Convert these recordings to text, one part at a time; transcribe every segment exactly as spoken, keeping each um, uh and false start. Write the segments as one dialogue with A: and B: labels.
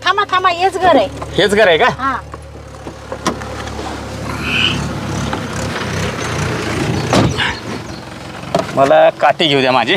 A: थांबा थांबा हेच घर आहे.
B: हेच घर आहे का?
A: हा
B: मला काठी घेऊ द्या माझी.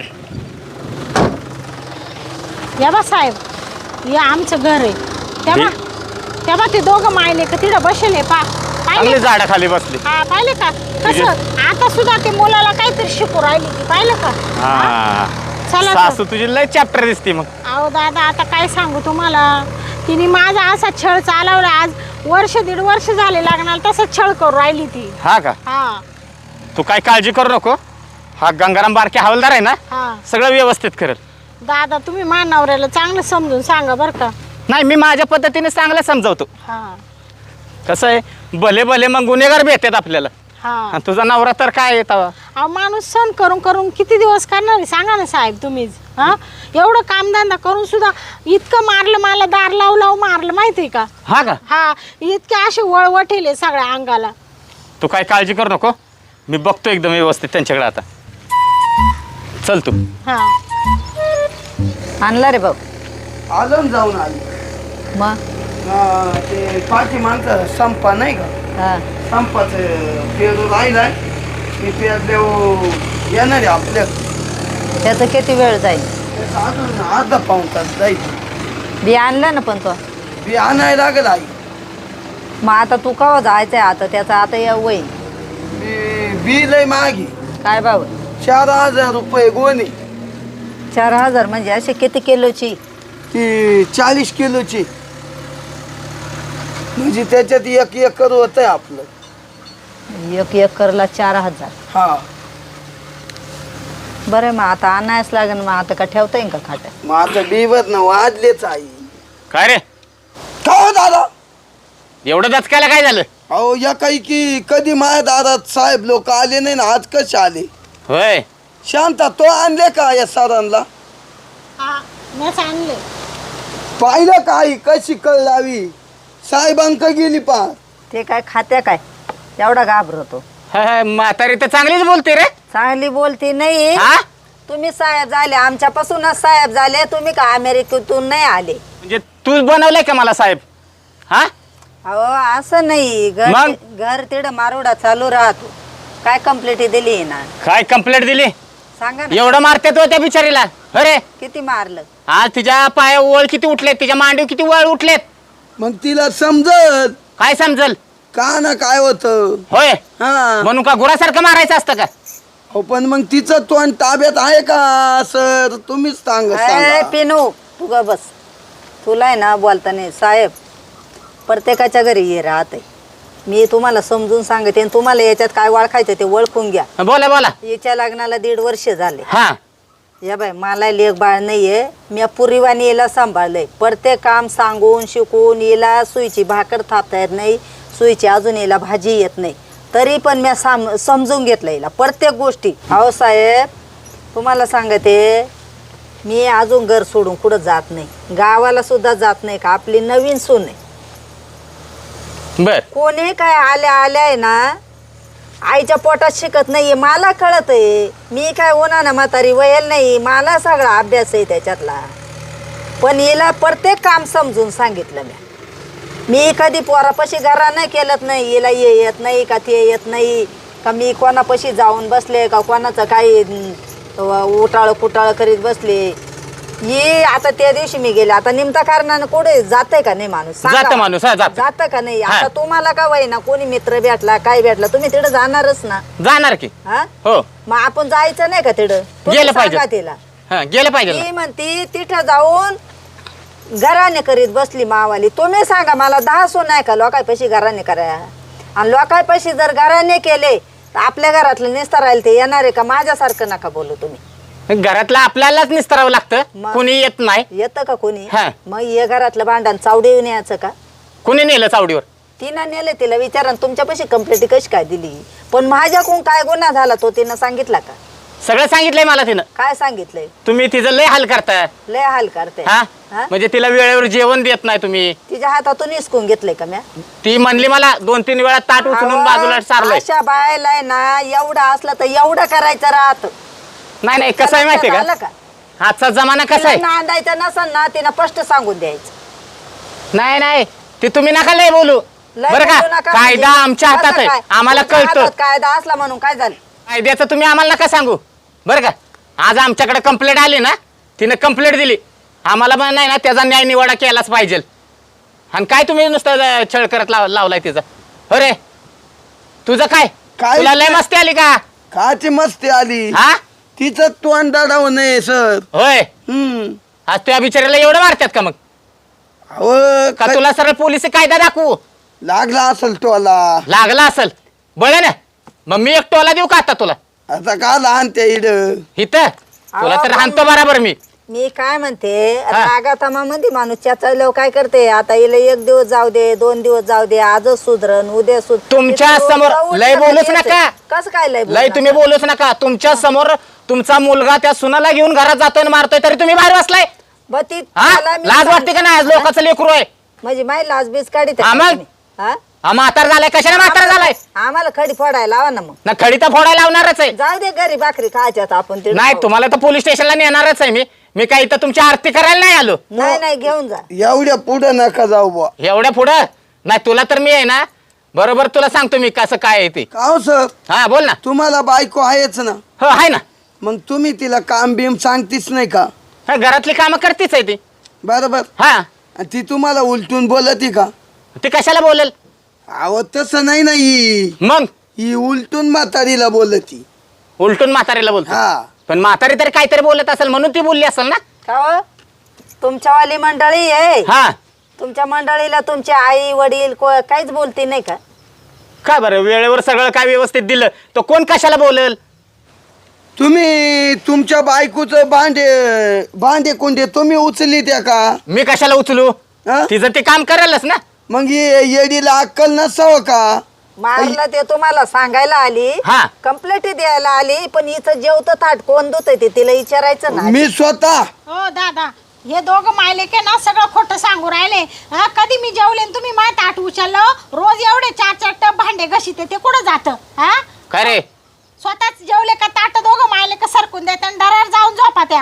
A: या बा साहेब, हे आमचं घर आहे. तेव्हा तेव्हा ते दोघं मायले का तिथं बसले पा
B: चांगले झाडाखाली बसले.
A: हा पाहिले का कसं आता सुद्धा ते मुलाला काहीतरी शिकू राहिली ती पाहिलं का?
B: हा
A: चला
B: सासू तुझी लय चॅप्टर दिसते मग.
A: अहो दादा आता काय सांगू तुम्हाला, तिने माझा असा छळ चालवला. आज वर्ष दीड वर्ष झाले लागणार तसं छळ करू राहिली ती.
B: हा का?
A: हा
B: तू काय काळजी करू नको. हा गंगाराम बारके हवालदार आहे ना,
A: हा
B: सगळं व्यवस्थित करेल.
A: दादा तुम्ही मानवऱ्याला चांगलं समजून सांगा बरं का.
B: नाही मी माझ्या पद्धतीने चांगलं समजावतो.
A: हा
B: कसं आहे भले भले मग गुन्हेगार भेटतात आपल्याला.
A: हा
B: आणि तुझा नवरा तर काय येत
A: अहो माणूस सण करून करून किती दिवस करणार आहे सांगा ना साहेब तुम्हीच. हा एवढं कामधंदा करून सुद्धा इतकं मारलं मला, दार लावू लावू मारलं माहिती आहे का?
B: हा का?
A: हा इतके असे वळवटेले सगळ्या अंगाला.
B: तू काय काळजी करू नको, मी बघतो एकदम व्यवस्थित त्यांच्याकडे. आता चल तू.
A: हा
C: आणला रे भाऊ.
D: आलो ना जाऊन आली.
C: मग
D: हा, ते पाठी माणसं संपा नाही का,
C: हा
D: संपाचं पेरू राहिलाय. मी पेरले येणार आहे आपल्या.
C: त्याचं किती वेळ जाईल?
D: त्याचं अजून अर्धा पाऊण तास जाईल.
C: बी आणलं ना पण तो.
D: बी आणायला लागेल आई.
C: मग आता तू केव्हा जायचंय? आता त्याचा आता या वय
D: बी बी लय मागे,
C: काय भाऊ?
D: चार हजार रुपये गोणी.
C: चार हजार म्हणजे असे किती किलोची?
D: ती चाळीस किलोची, म्हणजे त्याच्यात एक एकर होत आहे आपलं.
C: एक एकरला चार हजार.
D: हा
C: बरं मग आता आणायच लागेल. मग आता का ठेवता येईल का खाट्यात?
D: मग आता बीवर ना वाजलेच आई.
B: काय रे
D: का हो दादा?
B: एवढं दचकायला काय झालं?
D: अहो या काही की कधी माझ्या दारात साहेब लोक आले नाही ना, आज कसे आले?
B: होय
D: शांता तो आणले का या सरांना?
A: हा मीच आणले.
D: पाहिलं का आई कशी कळ लावी? साहेबांक गेली पा.
C: ते काय खात्या काय एवढा घाबरतो?
B: हा, हा, म्हातारी तर चांगलीच बोलते रे.
C: चांगली बोलती नाही.
B: हा
C: तुम्ही साहेब झाले, आमच्यापासूनच साहेब झाले. तुम्ही का अमेरिकेतून नाही आले?
B: म्हणजे तूच बनवलंय का मला साहेब? हा
C: अहो असं नाही. घर
B: मग?
C: घर तिथं मारोडा चालू राहतो. काय कंप्लेंट दिली ना?
B: काय कंप्लेंट दिली?
C: सांगा ना.
B: एवढं मारते तो त्या बिचारीला? अरे
C: किती मारलं?
B: आज तिच्या पाया वळ किती उठलेत, तिच्या मांडीव किती वळ उठलेत.
D: मग तिला समजत
B: काय समजल?
D: का ना काय होत.
B: होय
D: हा
B: म्हणून का गुरासारखं मारायचं असतं का?
D: हो पण मग तिचं तोंड ताब्यात आहे का सर? तुम्हीच सांग
C: ए,
D: सांगा.
C: पिनू तू ग बस. तुला आहे ना बोलता नाही. साहेब प्रत्येकाच्या घरी ये राहते. मी तुम्हाला समजून सांगते आणि तुम्हाला याच्यात काय ओळखायचं ते ओळखून घ्या.
B: बोला बोला.
C: याच्या लग्नाला दीड वर्ष झाले.
B: हा
C: या बाय मला लेख बाळ नाहीये. मी पुरीवानी याला सांभाळलंय. प्रत्येक काम सांगून शिकून याला सुईची भाकर थापता येत नाही, सुईची अजून याला भाजी येत नाही, तरी पण मी साम समजून घेतलं याला प्रत्येक गोष्टी. अहो साहेब तुम्हाला सांगते मी अजून घर सोडून कुठं जात नाही, गावाला सुद्धा जात नाही. का आपली नवीन सून आहे.
B: बर
C: कोणी काय आल्या आल्या आहे ना आईच्या पोटात शिकत नाहीये. मला कळत आहे. मी काय होणार ना म्हातारी वयल नाही. मला सगळा अभ्यास आहे त्याच्यातला. पण हिला प्रत्येक काम समजून सांगितलं मी. मी कधी पोरापाशी घरा नाही केलंच नाही. हिला ये येत नाही का ते येत नाही का मी कोणापाशी जाऊन बसले का कोणाचं काही उटाळ कुटाळ करीत बसले. ये आता त्या दिवशी मी गेले. आता निमता कारणानं कुठे जाते का नाही माणूस?
B: जात माणूस हा, जात
C: जात का नाही?
B: हा.
C: आता तुम्हाला का वय ना कोणी मित्र भेटला काय भेटला तुम्ही तिथं जाणारच ना.
B: जाणार की.
C: हा
B: हो
C: मग आपण जायचं नाही का तिथं? तुम्ही
B: गेलं पाहिजे.
C: सांगा तिला.
B: हा गेलं पाहिजे ना.
C: ती म्हणती तिथं जाऊन घराने करीत बसली मावाली. तुम्ही सांगा मला दहा सो नाही का लोकांपाशी घराने करा? आणि लोकांपाशी जर घराने केले तर आपल्या घरातलं नेसता राहील ते येणार आहे का? माझ्यासारखं नका बोलू तुम्ही.
B: घरातलं आपल्यालाच निस्तरावं लागतं.
C: मग?
B: कुणी येत नाही.
C: येतं का कोणी?
B: हा.
C: मग हे घरातलं भांडण चावडी येऊन यायचं का?
B: कुणी नेलं चावडीवर?
C: तिनं नेलं. तिला विचारा तुमच्यापाशी कंप्लेंट कशी काय दिली? पण माझ्याकडून काय गुन्हा झाला तो तिनं सांगितला का?
B: सगळं सांगितलंय मला तिनं.
C: काय सांगितलंय?
B: तुम्ही तिचं लय हाल करताय.
C: लय हाल करते.
B: हा
C: हा?
B: म्हणजे तिला वेळेवर जेवण देत नाही तुम्ही.
C: तिच्या हातातून हिसकून घेतलंय का म्या?
B: ती म्हणली मला दोन तीन वेळा ताट उचलून बाजूला सारलंय.
C: अशा बायला ना एवढं असलं तर एवढं करायचं राहत.
B: नाही नाही कसं आहे माहितीये
C: आलं
B: का
C: का?
B: आजचा जमाना कसा
C: तिला
B: आहे.
C: नांदायचं नसन ना तिनं स्पष्ट सांगून द्यायचं.
B: नाही नाही ते तुम्ही नका लय बोलू
C: लय
B: बरं
C: बोलू
B: का
C: नका
B: कायदा
C: म्हणजे.
B: आमच्या हातात
C: असं
B: आहे
C: काय?
B: आम्हाला
C: तुमच्या
B: कळतं
C: हातात कायदा असला म्हणून काय झालं?
B: कायद्याचं तुम्ही आम्हाला नका सांगू बरं का आज आमच्याकडे कंप्लेंट आली ना तिने कंप्लेंट दिली आम्हाला पण नाही ना त्याचा न्याय निवाडा केलाच पाहिजे आणि काय तुम्ही नुसतं छळ करत लाव लावलाय तिचा अरे तुझं काय
D: काय
B: तुला लय मस्ती आली का
D: काची मस्ती आली
B: हा
D: तिचं तोंड दाडाव नये सर
B: होय
D: हम्म
B: आज तुझ्या बिचाऱ्याला एवढं मारतात का मग
D: अहो
B: का
D: क-
B: तुला सरळ पोलिस कायदा दाखवू
D: लागला असेल टोला
B: लागला असेल बळ ना मग मी एक टोला देऊ का आता तुला
D: आता का लहान त्या इड
B: इथं तुला तर
C: अहो,
B: हाणतो बराबर मी
C: मी काय म्हणते
B: हा.
C: रागातामामध्ये माणूस त्याचा काय करते आता हिला एक दिवस जाऊ दे दोन दिवस जाऊ दे आजच सुधरण उद्या सुध
B: तुमच्या समोर लय बोलूच नका.
C: कसं काय लय
B: लय तुम्ही बोलूच नका तुमच्या समोर तुमचा मुलगा त्या सुनाला घेऊन घरात जातोय आणि मारतोय तरी तुम्ही बाहेर बसलाय
C: ब ती
B: हा
C: मला मी
B: लाज
C: सांग-
B: वाटते का नाही लोकांचं लेकरू आहे
C: म्हणजे माही लाज बीज काढीत
B: हा मग?
C: हा
B: हा म्हातार झालाय कशाने म्हातार झालाय
C: आम्हाला खडी फोडायला लावा ना मग
B: ना खडी तर फोडायला लावणारच आहे
C: जाऊ दे घरी भाकरी खायच्यात आपण ते
B: नाही तुम्हाला तर पोलीस स्टेशनला नेणारच आहे मी मी काही तर तुमची आरती करायला नाही आलो
C: नाही नाही घेऊन जा
D: एवढ्या पुढे नका जाऊ बुवा
B: एवढ्या पुढं नाही तुला तर मी आहे ना बरोबर तुला सांगतो मी कसं काय आहे ते
D: का हो सर
B: हा बोल ना
D: तुम्हाला बायको आहेच ना
B: हो आहे ना
D: मग तुम्ही तिला काम बिम सांगतीच नाही का
B: हा, घरातली कामं करतीच आहे ती
D: बरोबर
B: हा
D: आणि ती तुम्हाला उलटून बोलती का
B: ती कशाला बोलेल
D: अहो तसं नाही ना ही
B: मग
D: ही उलटून म्हातारीला बोलती
B: उलटून म्हातारीला बोलतो
D: हा
B: पण म्हातारी तरी काहीतरी बोलत असेल म्हणून ती बोलली असेल ना
C: का हो? तुमच्यावाली मंडळी आहे
B: हा
C: तुमच्या मंडळीला तुमचे आई वडील को- काहीच बोलती नाही का
B: काय बरं वेळेवर सगळं काय व्यवस्थित दिलं तो कोण कशाला बोलेल
D: तुम्ही तुमच्या बायकोचं भांडे भांडे कोंडे तुम्ही उचली त्या का
B: मी कशाला उचलू
D: हा?
B: तिचं ते काम करायलाच ना
D: मग ये- येडीला अक्कल नसावं का
C: मारलं ते तुम्हाला सांगायला आली
B: हा.
C: कंप्लेंट द्यायला आली पण इथं जेवतं ताट कोण धुतंय ते तिला विचारायचं ना
D: मी स्वतः
A: हो दादा हे दोघं मायले के ना सगळं खोटं सांगू राहिले हा कधी मी जेवले आणि तुम्ही माय ताट उचललं रोज एवढे चार चार टप भांडे घशीते ते कुठं जातं हा
B: काय रे
A: स्वतःच जेवले का ताट दोघं मायले का सरकून देत आणि दरार जाऊन झोपा त्या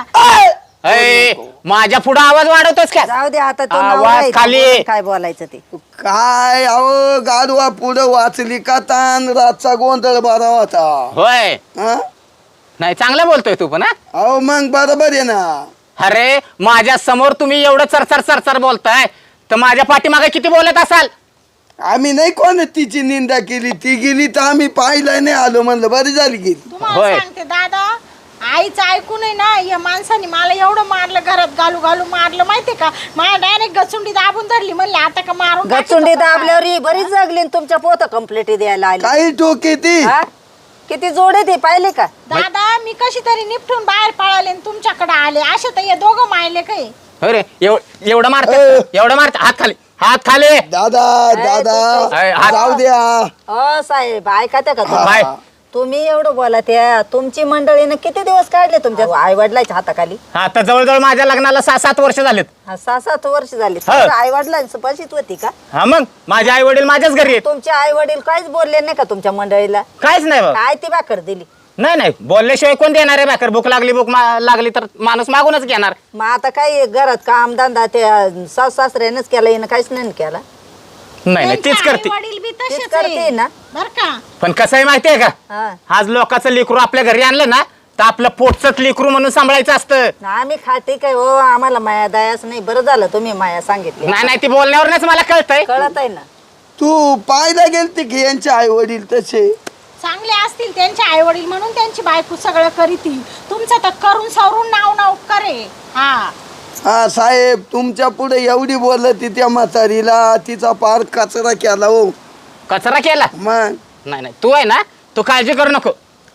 B: अय, माझ्या पुढे आवाज वाढवतोस का
C: जाऊ दे आता तो
B: आवाज
C: नवरा आहे, तो
B: खाली.
C: बोलेल काय बोलायचं ते
D: काय अहो गाडवा पुढं वाचली का तान रातचा गोंधळ बरा होता
B: होय
D: हा?
B: नाही चांगला बोलतोय तू पण हा
D: अहो मग बरोबर आहे ना
B: अरे माझ्या समोर तुम्ही एवढं चरचर चरचर बोलताय तर माझ्या पाठीमागे किती बोलत असाल
D: आम्ही नाही कोण तिची निंदा केली ती गेली तर आम्ही पाहिलं नाही आलो म्हणलं बरी झाली गेली
A: तुम्हाला
B: होय.
A: सांगते दादा आईचं ऐकून आहे ना या माणसाने मला एवढं मारलं घरात घालू घालू मारलं माहितीये का मला डायरेक्ट गचुंडी दाबून धरली म्हणले आता का मारून टाकीतो
C: गचुंडी
A: का काय?
C: दाबल्यावर ही बरीच जगली आणि तुमच्या पोत कंप्लेंट द्यायला आली
D: काही टोके ती
C: हा? किती जोडे ते पाहिले का
A: दादा मी कशी तरी निपटून बाहेर पळाले आणि तुमच्याकडे आले असे तर हे दोघं मायले काही
B: अरे एव- एवढं मारत
D: अ.
B: एवढं मारत हात खाली हात खाली
D: दादा दादा
B: अय, हात-
D: जाऊ द्या
C: हो साहेब ऐका त्या का
B: बाय.
C: तुम्ही? तुम्ही एवढं बोला त्या तुमची मंडळीनं किती दिवस काढले तुमच्या आई वडिलांच्या हाताखाली
B: आता जवळजवळ माझ्या लग्नाला सहा सात वर्ष झालेत
C: हा, सहा सात वर्ष झाली
B: हा.
C: आई वडिलांची पशीच होती का
B: हा मग माझे आई वडील माझ्याच घरी आहेत
C: तुमचे आई वडील काहीच बोलले नाही का तुमच्या मंडळीला
B: काहीच नाही बाबा
C: काय ती भाकर दिली
B: नाही नाही बोलल्याशिवाय कोण देणार आहे भाकर भूक लागली भूक मा- लागली तर माणूस मागूनच घेणार
C: मग आता काय घरात काम धंदा ते सास सासऱ्यानेच केला हिनं काहीच नाही केला
B: नाही नाही तीच करते
A: वडील बी
C: तीच
A: तसेच
C: करते
A: आहे.
C: ना
A: बर का
B: पण कसं आहे माहितीये का
C: हा
B: आज लोकांचं लेकरू आपल्या घरी आणलं ना तर आपलं पोटचंच लेकरू म्हणून सांभाळायचं असतं
C: आम्ही खाते काय हो आम्हाला माया दयाच नाही बरं झालं तुम्ही माया सांगितली
B: नाही नाही ती बोलण्यावरच मला कळतंय
C: कळत आहे ना
D: तू पाहायला गेलते की यांचे आई वडील तसे
A: चांगले असतील त्यांचे आई वडील म्हणून त्यांची बायको सगळं करीती तुमचं तर करून सवरून नाव नाव करे हा
D: हा साहेब तुमच्या पुढे एवढी बोलती त्या म्हातारीला तिचा पार कचरा केला हो
B: कचरा केला
D: मग
B: नाही नाही तू आहे ना तू काळजी करू नको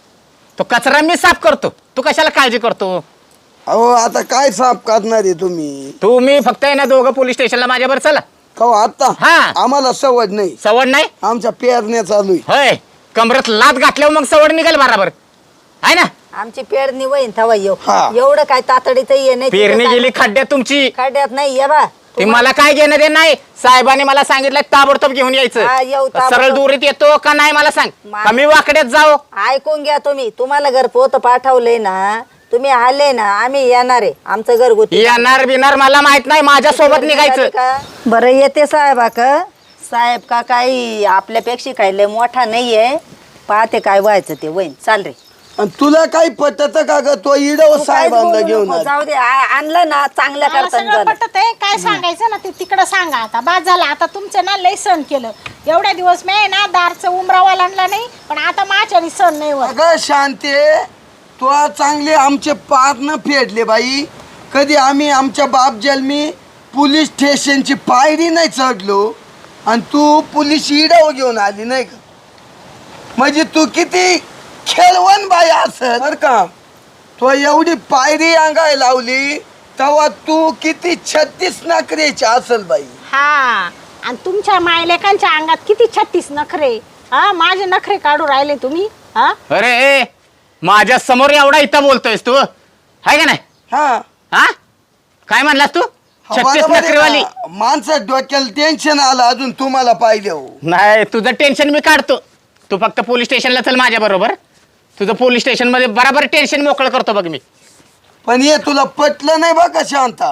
B: तो कचरा मी साफ करतो तू कशाला काळजी करतो
D: अहो आता काय साफ करणार आहे तुम्ही
B: तू मी फक्त आहे ना दोघं पोलीस स्टेशनला माझ्यावर चला
D: का आता
B: हा.
D: आम्हाला सवड नाही
B: सवड नाही
D: आमच्या पेरण्या चालू आहे
B: होय कमरत लात घातल्यावर मग सवड निघेल बराबर आहे ना
C: आमची पेरणी वहीन थवा येऊ
D: हा.
C: एवढं काय तातडीचं ये नाही
B: पेरणी गेली खड्ड्यात तुमची
C: खड्ड्यात नाही ये बा
B: ते मला काय घेणं दे नाही साहेबांनी मला सांगितलं ताबडतोब घेऊन
C: हा, येऊ
B: यायचं
C: ताबडतोब.
B: सरळ दुरीत येतो का नाही मला सांग
C: मा-
B: का मी वाकड्यात जाऊ
C: ऐकून घ्या तुम्ही तुम्हाला घर पोत पाठवलंय ना तुम्ही आले ना आम्ही येणार आहे आमचं घरगुती
B: येणार बिणार मला माहित नाही, माझ्या सोबत निघायचं.
C: का बरं येते साहेबा का साहेब का काही आपल्यापेक्षा काही लय मोठा नाहीये पाहते काय व्हायचं ते वहीन चाल रे
D: आणि तुला काही पटत का ग तो इडव
C: तू काहीच
D: साहेबांना
C: बोलू
D: घेऊन
C: नको,
D: आली.
C: जाऊ दे आ- आणलं ना चांगल्या
A: मला
C: करताना
A: सगळं
C: झालं
A: पटत आहे. काय सांगायचं ना ते तिकडं सांगा आता. बाद झालं आता तुमचं ना लय सण केलं. एवढ्या दिवस मी आहे ना दारचं उमरावा आणला नाही, पण आता माझ्याने सण नाही होत.
D: अगं शांते तो चांगले आमचे पार न फेडले बाई. कधी आम्ही आमच्या बाप जन्मी पोलीस स्टेशनची पायरी नाही चढलो आणि तू पोलीस इडव घेऊन आली नाही का. म्हणजे तू किती खेळवण बाई असत बर का. तो एवढी पायरी अंगाय लावली तेव्हा तू किती छत्तीस नखरेची असल बाई.
A: हा आणि तुमच्या मायलेकांच्या अंगात किती छत्तीस नखरे. हा माझे नखरे काढू राहिले तुम्ही. हा
B: अरे माझ्या समोर एवढा इथं बोलतोयस तू, हाय का नाही?
D: हा
B: हा काय म्हणलास तू? छत्तीस
D: बरोबर आहे
B: नखरेवाली?
D: ना. माणसं डोक्याला टेन्शन आलं अजून तुम्हाला पाहिजे हो.
B: नाही तुझं टेन्शन मी काढतो. तू फक्त पोलीस स्टेशनला चल माझ्या बरोबर. तुझं पोलीस स्टेशन मध्ये बराबर टेन्शन मोकळं करतो बघ मी.
D: पण हे तुला पटलं नाही बघा शांता.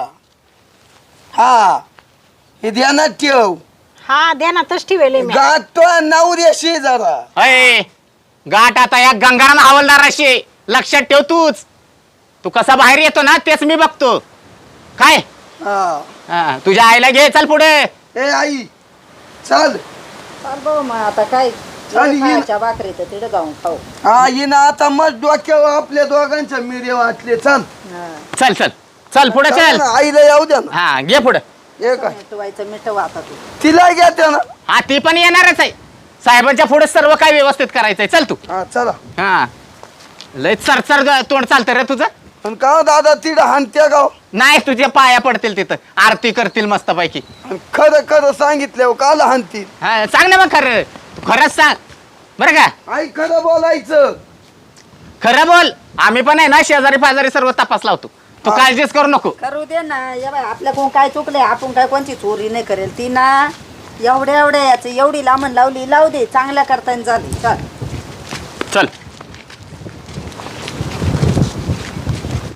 D: हा हे ध्यानात ठेव.
A: हा ध्यानातच ठेवले मी.
D: गातो नवऱ्याशी जरा.
B: अय गाठ आता या गंगाराम हवालदाराशी आहे. लक्षात ठेव तूच. तू कसा बाहेर येतो ना तेच मी बघतो. काय
D: हा
B: हा, तुझ्या आईला घे चल पुढे.
D: ए आई चल.
C: चाल भाऊ मग आता काय
D: चाल, ये.
C: खायच्या भाकरी तर तिकडे जाऊन खाऊ
D: हा हिनं आता मग डोक्यावर आपल्या दोघांच्या मिरे वाटले. चल
C: हा.
B: चल चल चल पुढे
D: चल
B: चल.
D: ना, आईला येऊ द्या ना.
B: हा घे पुढे.
D: हे काय
C: मिटवायचं मिटव आता तू
D: तिला घेते ना.
B: हा ती पण येणारच आहे. साहेबांच्या पुढे सर्व काय व्यवस्थित करायचंय. चल तू.
D: हा चला.
B: हा लय चरचर तोंड चालतं रे तुझं.
D: पण का हो दादा तिला हानत्या गाव.
B: नाही तुझ्या पाया पडतील तिथं, आरती करतील मस्तपैकी.
D: आणि खरं खरं सांगितलं काल हानतील.
B: हा सांग ना मग खरं. तू खरंच सांग बरं का.
D: आई खरं बोलायचं.
B: खरं बोल. आम्ही पण आहे ना शेजारी पाजारी सर्व तपास लावतो. तू
D: हा.
B: काळजीच करू नको.
C: करू दे ना या बाई आपल्याकडून काय चुकले आपण काय कोणची चोरी नाही करेल ती ना एवढ्या एवढ्या याच एवढी लांबण लावली लावू दे चांगल्या करताना झाली चल
B: चल